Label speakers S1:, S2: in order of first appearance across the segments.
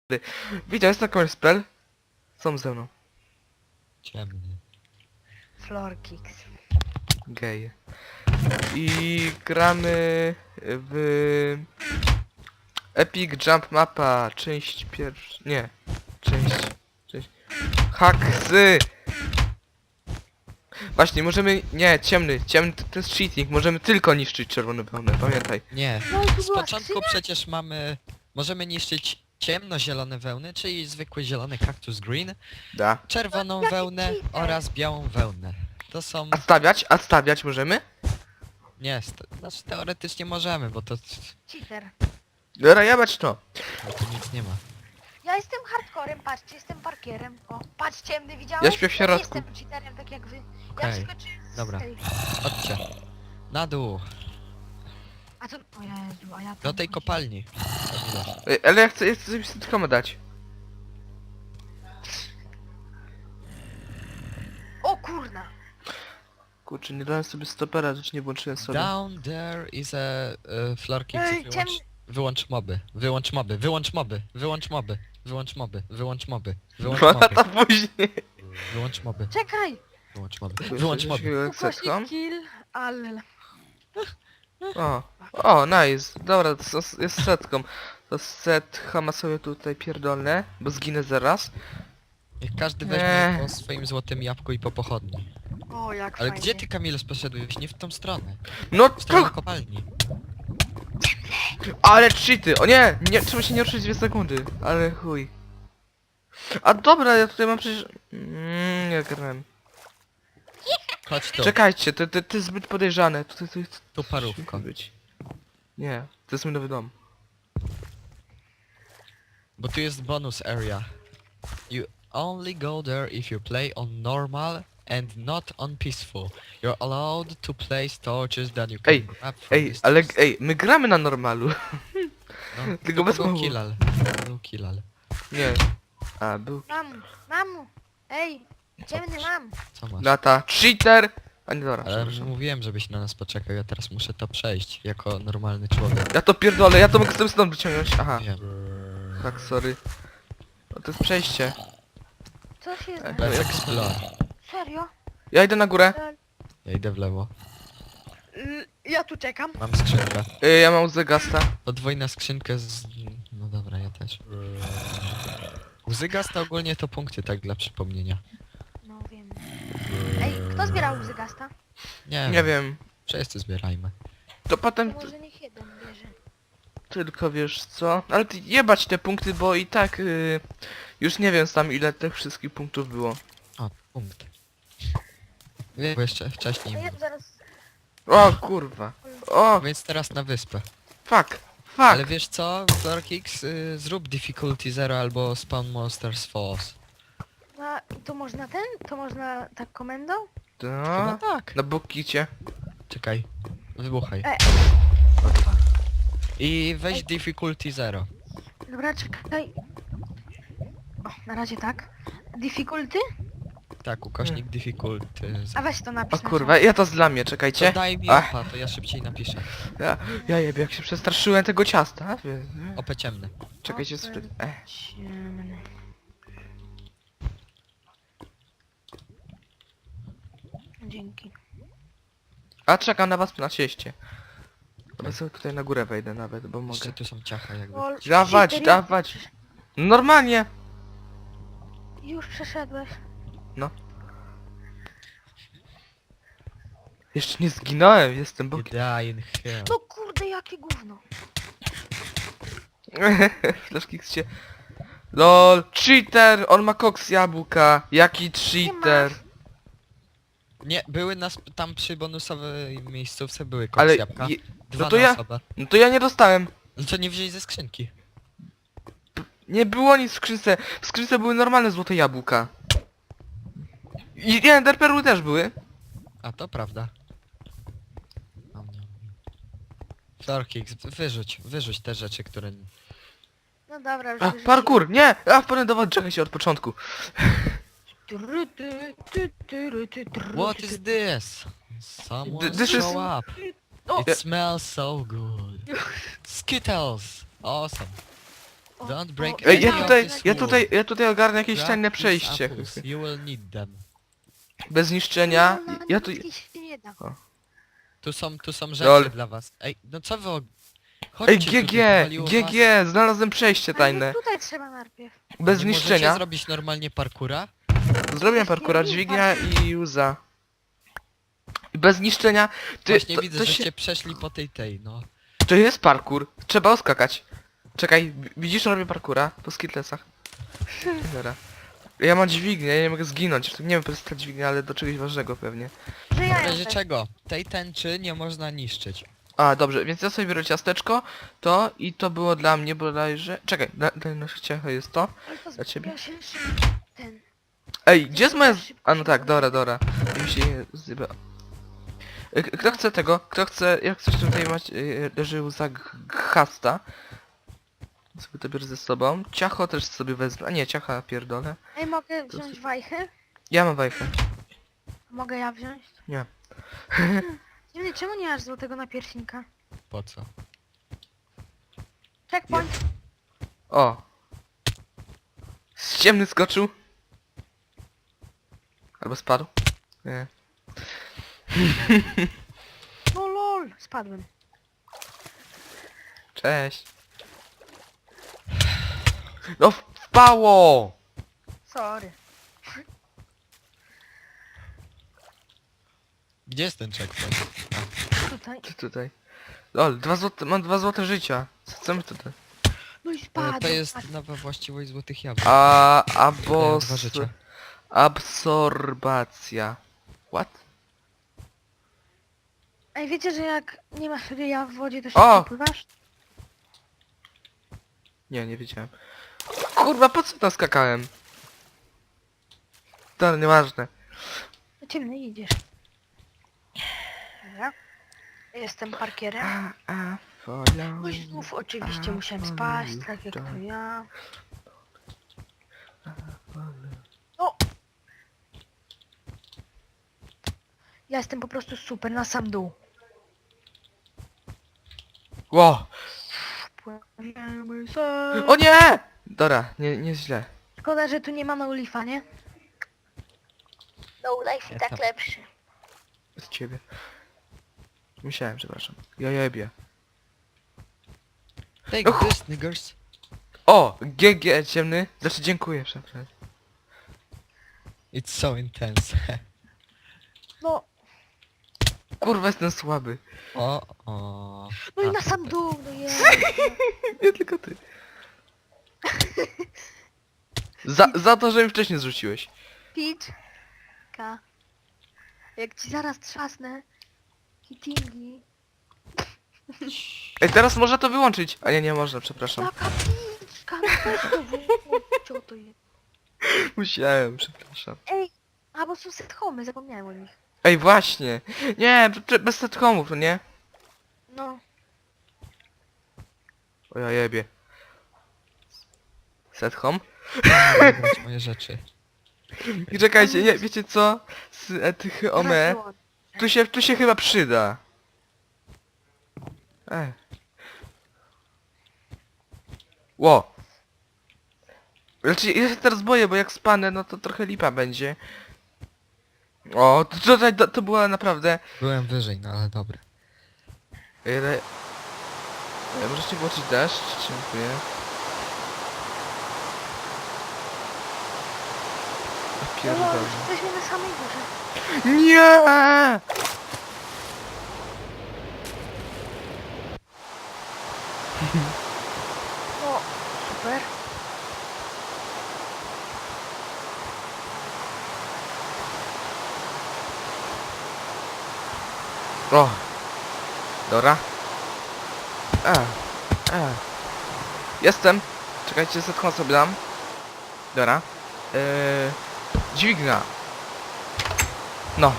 S1: Widział, jest na końcu spell. Są ze mną.
S2: Ciemny.
S3: Florkix.
S1: Gej. I gramy w Epic Jump Mapa, część pierwsza. Nie. Część. Haksy! Właśnie, możemy... Nie, ciemny to jest cheating. Możemy tylko niszczyć czerwone pełne, pamiętaj.
S2: Nie.
S3: No i tu
S2: Z
S3: była
S2: początku
S3: skrzynia?
S2: przecież możemy niszczyć ciemnozielone wełny, czyli zwykły zielony cactus green,
S1: Da.
S2: czerwoną
S3: Jaki
S2: wełnę
S3: cheater.
S2: oraz białą wełnę. To są...
S1: A stawiać możemy?
S2: Nie, znaczy teoretycznie możemy, bo to
S3: Cheater.
S1: Dobra, jebać to.
S2: nic nie ma.
S3: Ja jestem hardcorem, patrzcie, jestem parkierem. O, patrz ciemny, widziałeś?
S1: Ja śpię w
S3: nie
S1: środku.
S3: jestem cheaterem, tak jak wy. Ja
S2: Okej,
S3: wskoczyłem z
S2: dobra.
S3: tej...
S2: Chodźcie. Na dół,
S3: A co? O Jezu, a ja tam
S2: do tej
S3: chodzi.
S2: kopalni.
S1: Ej, ale ja chcę coś tylko dać.
S3: O kurna!
S1: Kurczę, nie dałem sobie stopera, rzecz nie włączyłem sobie.
S2: Down there is a floor kick.
S3: Ej,
S2: Wyłącz moby, wyłącz moby, wyłącz moby, wyłącz moby, wyłącz moby, wyłącz moby, wyłącz
S1: Dwa
S2: moby,
S1: lata później.
S2: wyłącz moby,
S3: Czekaj!
S2: wyłącz moby, wyłącz moby.
S3: Ukośnik kill, ale...
S1: O, nice. Dobra, to jest setką. To set Hama sobie tutaj pierdolne, bo zginę zaraz.
S2: Niech każdy
S1: Nie.
S2: weźmie po swoim złotym jabłku i po pochodni.
S3: O, jak
S2: Ale
S3: fajnie.
S2: gdzie ty, Kamilus, poszedłeś? Nie w tą stronę.
S1: No
S2: W stronę
S1: to...
S2: kopalni.
S1: Ale cheaty! O nie! Nie, trzeba się nie ruszyć 2 sekundy. Ale chuj. A dobra, ja tutaj mam przecież... nie grałem.
S2: Chodź tu,
S1: Czekajcie, to jest zbyt podejrzane.
S2: tu parówko.
S1: być. Nie, to jest mój nowy dom.
S2: Bo tu jest bonus area. You only go there if you play on normal and not on peaceful. You're allowed to place torches that you can
S1: Ej,
S2: grab from
S1: Ej,
S2: this
S1: ale
S2: chest.
S1: ej, my gramy na normalu.
S2: No,
S1: tylko bez
S2: był
S1: mowy.
S2: killal. Był killal.
S1: Nie. A, był...
S3: Mamu! Ej! Ciemny mam!
S2: Co masz?
S1: Lata. Cheater! A nie, dobra,
S2: Ale
S1: przepraszam.
S2: mówiłem, żebyś na nas poczekał, ja teraz muszę to przejść jako normalny człowiek.
S1: Ja to pierdolę, ja to mogę sobie stąd wyciągnąć. Aha,
S2: Wiem.
S1: tak, sorry. No to jest przejście.
S3: Co się
S1: Ej.
S3: zna?
S2: Let's explore.
S3: Serio?
S1: Ja idę na górę.
S2: Ja idę w lewo.
S3: Ja tu czekam.
S2: Mam skrzynkę.
S1: Ja mam łzę gasta.
S2: Podwójna skrzynkę z... No dobra, ja też. Łzy gasta ogólnie to punkty, tak dla przypomnienia.
S3: No wiem. Ej, kto zbierał łzy gasta?
S1: Nie wiem.
S2: Wszyscy zbierajmy.
S1: To potem
S3: To może niech jeden bierze.
S1: tylko wiesz co. Ale ty jebać te punkty, bo i tak już nie wiem sam ile tych wszystkich punktów było.
S2: O, punkt. Nie, bo jeszcze
S3: A
S2: wcześniej
S3: ja
S2: było.
S3: zaraz...
S1: O kurwa. O,
S2: Więc teraz na wyspę.
S1: fuck.
S2: Ale
S1: Fuck.
S2: wiesz co, Florkix, zrób difficulty 0 albo spawn monsters falls.
S3: A to można ten? To można tak komendą?
S2: Chyba
S1: To.
S2: tak.
S1: Na bokicie.
S2: Czekaj. Wybuchaj. I weź difficulty 0.
S3: Dobra, czekaj. O, na razie tak. Difficulty?
S2: Tak, ukośnik difficulty 0.
S3: A weź to napisz
S1: O
S3: na
S1: kurwa, ja to zlamię,
S2: To
S1: czekajcie.
S2: daj mi
S1: Ach.
S2: opa, to ja szybciej napiszę.
S1: Ja jebie, jak się przestraszyłem tego ciasta.
S2: Opę ciemny.
S1: Czekajcie,
S3: Ciemny. Dzięki.
S1: A czekam na was na cieście. Ja sobie tutaj na górę wejdę nawet, bo mogę.
S2: Jeszcze tu są ciacha jakby.
S3: Lol,
S1: Dawać,
S3: cheater,
S1: dawać. Normalnie.
S3: Już przeszedłeś.
S1: Jeszcze nie zginąłem, jestem
S2: You
S1: bokiem.
S2: die in hell.
S3: No kurde, jakie gówno.
S1: Flaszki się. LOL, cheater! On ma koks jabłka. Jaki cheater?
S2: Nie, były tam przy bonusowej miejscówce były
S1: Ale
S2: koks jabłka. Dwa
S1: no to
S2: na
S1: ja,
S2: osobę.
S1: no to ja nie dostałem.
S2: No to nie wzięli ze skrzynki.
S1: Nie było nic w skrzynce. W skrzynce były normalne złote jabłka. I nie, enderperły też były.
S2: A to prawda. Florkix, wyrzuć te rzeczy, które...
S3: No dobra, już
S1: A,
S3: wyrzuciłem.
S1: parkour, nie! A, wpadłem do wody, czekaj się od początku.
S2: What is this? Someone
S1: This is-
S2: show up.
S3: O!
S2: It smells so good. Skittles! Awesome. Don't break
S1: Ej,
S2: any of this wood.
S1: ja tutaj ogarnę jakieś
S2: Grab
S1: tajne
S2: these
S1: przejście.
S2: apples, You will need them.
S1: Bez zniszczenia.
S3: No, na
S1: Ja tu...
S3: niebieskiej się nie da.
S2: Tu są rzeczy
S1: Lol.
S2: dla was. Ej, no co wy...
S1: Ej,
S2: Chodźcie
S1: GG!
S2: tutaj, powaliło was.
S1: GG! Znalazłem przejście
S3: Ale
S1: tajne.
S3: tutaj trzeba najpierw.
S1: Bez
S2: Nie
S1: zniszczenia.
S2: możecie zrobić normalnie parkura?
S1: Zrobiłem parkura, dźwignia i uza. I bez zniszczenia.
S2: Właśnie
S1: to,
S2: widzę,
S1: to,
S2: żeście przeszli po tej, no.
S1: to jest parkur. Trzeba oskakać. Czekaj, widzisz, robię parkura po skitlesach. Dobra. Ja mam dźwignię, ja nie mogę zginąć. Nie wiem, po prostu ta dźwignia, ale do czegoś ważnego pewnie.
S3: Że ja
S2: W razie
S3: jestem.
S2: czego? Tej tęczy nie można niszczyć.
S1: A, dobrze, więc ja sobie biorę ciasteczko, to i to było dla mnie bodajże... Czekaj, daj na ciacho jest to.
S3: Ale to
S1: Dla ciebie?
S3: ja się ten.
S1: Ej, gdzie jest moja... A no tak, dobra. Mi się zjeba... Kto chce tego? Kto chce... Jak coś tutaj mać... leży łza chasta. Sobie to biorę ze sobą. Ciacho też sobie wezmę. A nie, ciacha pierdolę.
S3: Ej, mogę wziąć wajchę?
S1: Ja mam wajchę.
S3: Mogę ja wziąć?
S1: Nie.
S3: Dziwny, czemu nie masz złotego napierśnika?
S2: Po co?
S3: Checkpoint.
S1: O! Z ciemny skoczył. Albo spadł. Nie.
S3: No lol, spadłem.
S1: Cześć. No wpało!
S3: Sorry.
S2: Gdzie jest ten checkpoint?
S3: Tutaj.
S1: Ty tutaj. Lol, mam 2 złote życia. Co my tutaj?
S3: No i
S2: To
S3: spadłem.
S2: jest nowa właściwość złotych jabłek.
S1: A
S2: Dają 2 życia.
S1: absorbacja. What?
S3: Ej, wiecie, że jak nie masz ryja w wodzie, to
S1: O!
S3: szybko pływasz?
S1: Nie wiedziałem. Kurwa, po co tam skakałem? To nieważne.
S3: Do ciemny idziesz. Dobra. Jestem parkierem.
S1: Follow
S3: No i znów oczywiście musiałem spaść, tak jak to ja. O! Ja jestem po prostu super na sam dół.
S1: Ło!
S3: Płyniemy sobie.
S1: O nie! Dobra, nie źle.
S3: Szkoda, że tu nie ma no lifa, nie? No life
S2: Ja
S3: tak
S2: tam-
S3: lepszy.
S1: Z ciebie. Musiałem, przepraszam. Ja jebie.
S2: Take
S1: Och.
S2: this, niggers.
S1: O! GG ciemny. Znaczy dziękuję, przepraszam.
S2: It's so intense.
S3: No,
S1: Kurwa, jestem słaby.
S2: o.
S3: no i
S2: A,
S3: na sam
S2: super.
S3: dół, no jest.
S1: Nie tylko ty. Za to, że mi wcześniej zrzuciłeś.
S3: Peach. Ka. Jak ci zaraz trzasnę. Hittingi.
S1: Ej, teraz można to wyłączyć. A nie można, przepraszam.
S3: Taka piczka, no weź to wyłącz, co to jest?
S1: Musiałem, przepraszam.
S3: Ej, a bo są set home, zapomniałem o nich.
S1: Ej, właśnie. Nie, bez setcomów, no nie?
S3: No,
S1: O ja jebie. Set home?
S2: Zabrać moje rzeczy.
S1: I czekajcie, nie, wiecie co? Tych
S3: teraz
S1: ome.
S3: wyłącz.
S1: Tu się chyba przyda. Ło. Znaczy, ja się teraz boję, bo jak spanę, no to trochę lipa będzie. O, to była naprawdę...
S2: Byłem wyżej, no ale dobra.
S1: Ale... Możecie włączyć deszcz? Dziękuję.
S3: No,
S1: Pierdolę.
S3: jesteśmy na samej górze.
S1: Nie!
S3: No, super.
S1: O! Dobra. Jestem. Czekajcie, setką sobie dam. Dobra. Dźwignia. No.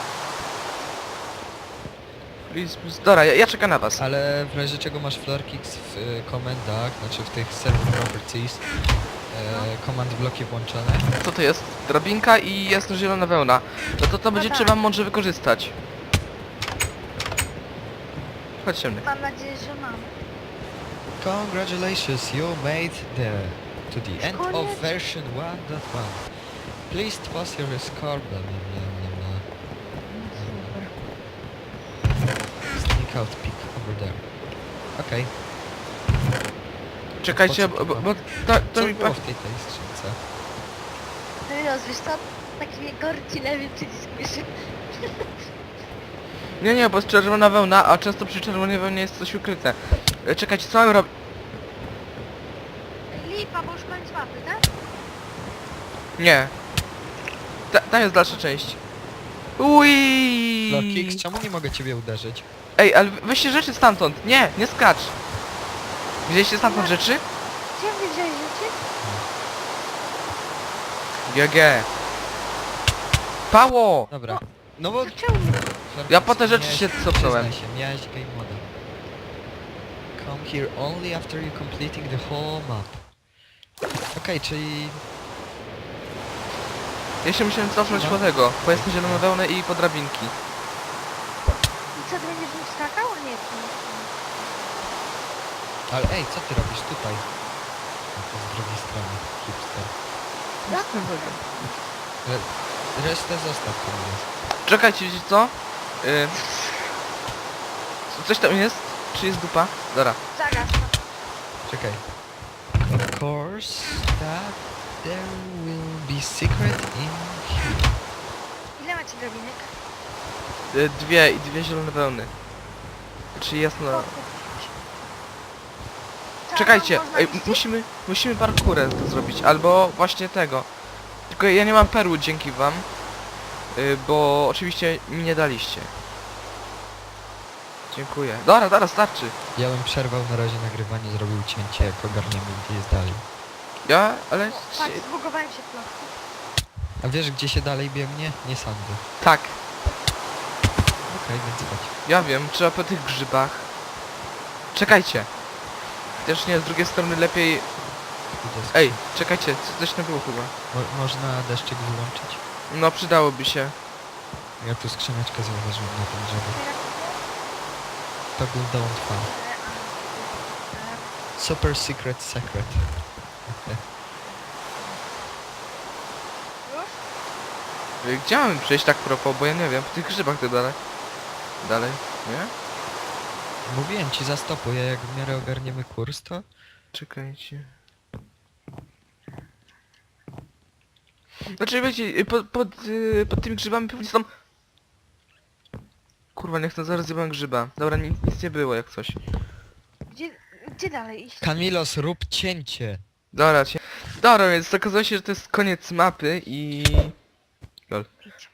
S1: Please, please. Dobra, ja czekam na was.
S2: Ale w razie czego masz floor kicks w komendach, znaczy w tych server properties, command bloki włączone.
S1: Co to jest? Drabinka i jest zielona wełna. No to będzie
S3: tak.
S1: trzeba mądrze wykorzystać. Chodź ciemny.
S3: Mam nadzieję, że mam.
S2: Congratulations, you made to the end of
S3: Koniec.
S2: version 1.1. Please toss your score, blah blah blah blah blah. Sneak out peek over there. Okej.
S1: Czekajcie,
S2: Po co to
S1: bo to
S2: Co
S1: mi...
S2: było w tej skrzynce?
S3: No i no, wiesz co? Taki gorki lewy przycisk myszy.
S1: Nie, bo jest czerwona wełna, a często przy czerwonej wełnie jest coś ukryte. Czekajcie, co mam robić?
S3: Lipa, bo już koniec mapy, tak?
S1: Nie. Ta jest dalsza część. Ui.
S2: Lorkix, czemu nie mogę ciebie uderzyć?
S1: Ej, ale weźcie rzeczy stamtąd. Nie skacz. Wzięliście stamtąd rzeczy?
S3: Gdzie wy wziąłeś rzeczy?
S1: GG. Pało!
S2: Dobra. No bo...
S3: Zaczęło mnie.
S2: Lorkix,
S1: Ja po te rzeczy
S2: miałeś-
S1: się cofnąłem.
S2: Przyznaj się, miałeś game moda. Come here only after you completing the whole map. Okej, czyli...
S1: Ja się musiałem cofnąć
S2: No.
S1: po tego. Po jasną zieloną wełnę i po drabinki.
S3: I co, ty będziesz nim skakał? Nie, to nie.
S2: Ale ej, co ty robisz tutaj? No to z drugiej strony, hipster. Resztę zostaw tam jest.
S1: Czekajcie, wiecie co? Coś tam jest? Czy jest dupa? Dobra.
S3: Zagas to.
S2: Czekaj. Of course that there will be secret in here.
S3: Ile macie drobinek?
S1: Dwie zielone wełny. Czyli jasno. Czekajcie, ej, musimy parkurę to zrobić, albo właśnie tego. Tylko ja nie mam perły dzięki wam. Bo oczywiście mi nie daliście. Dziękuję. Dobra, starczy.
S2: Ja bym przerwał na razie nagrywanie, zrobił cięcie, jak ogarniemy gdzie jest dalej.
S1: Ale...
S3: Patrz, zbugowałem się plotki.
S2: A wiesz gdzie się dalej biegnie? Nie sądzę.
S1: Tak,
S2: Okej, więc chodź.
S1: ja wiem, trzeba po tych grzybach. Czekajcie. Też nie, z drugiej strony lepiej...
S2: Idę z-
S1: Ej, czekajcie, coś tam było chyba.
S2: można deszczyk wyłączyć?
S1: No, przydałoby się.
S2: Ja tu skrzyneczkę zauważyłem na tym drzewie. Toggle don't fall. Super secret secret.
S3: Już?
S1: Gdzie mamy przejść tak propos, bo ja nie wiem, po tych grzybach to dalej. Dalej, nie?
S2: Mówiłem ci zastopuję, jak w miarę ogarniemy kurs to...
S1: Czekajcie. Znaczy wiecie, pod tymi grzybami pewnie są... Kurwa, nie chcę, zaraz zjebałem grzyba. Dobra, nic nie było jak coś.
S3: Gdzie dalej iść?
S2: Kamilos, rób cięcie!
S1: Dobra, więc okazuje się, że to jest koniec mapy i... Lol.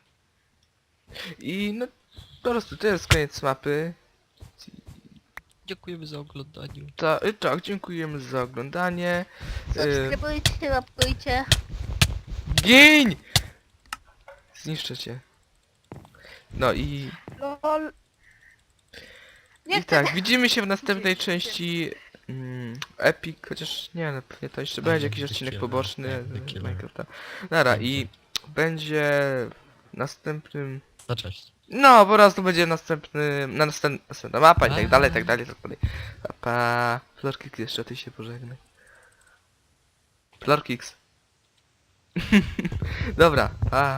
S1: I no... Po prostu to jest koniec mapy.
S2: Dziękujemy za oglądanie.
S1: Tak, dziękujemy za oglądanie.
S3: Subskrybujcie, łapkujcie.
S1: Giń! Zniszczę cię. No i...
S3: LOL. Nie
S1: I tak, widzimy się w następnej części Epic, chociaż nie, no pewnie to jeszcze będzie jakiś odcinek poboczny z Minecrafta. Dobra, i będzie w następnym...
S2: No cześć.
S1: No, po prostu będzie następna mapa i tak dalej, tak dalej, tak dalej. Pa. Florkix, jeszcze ty się pożegnaj. Florkix. Dobra, pa.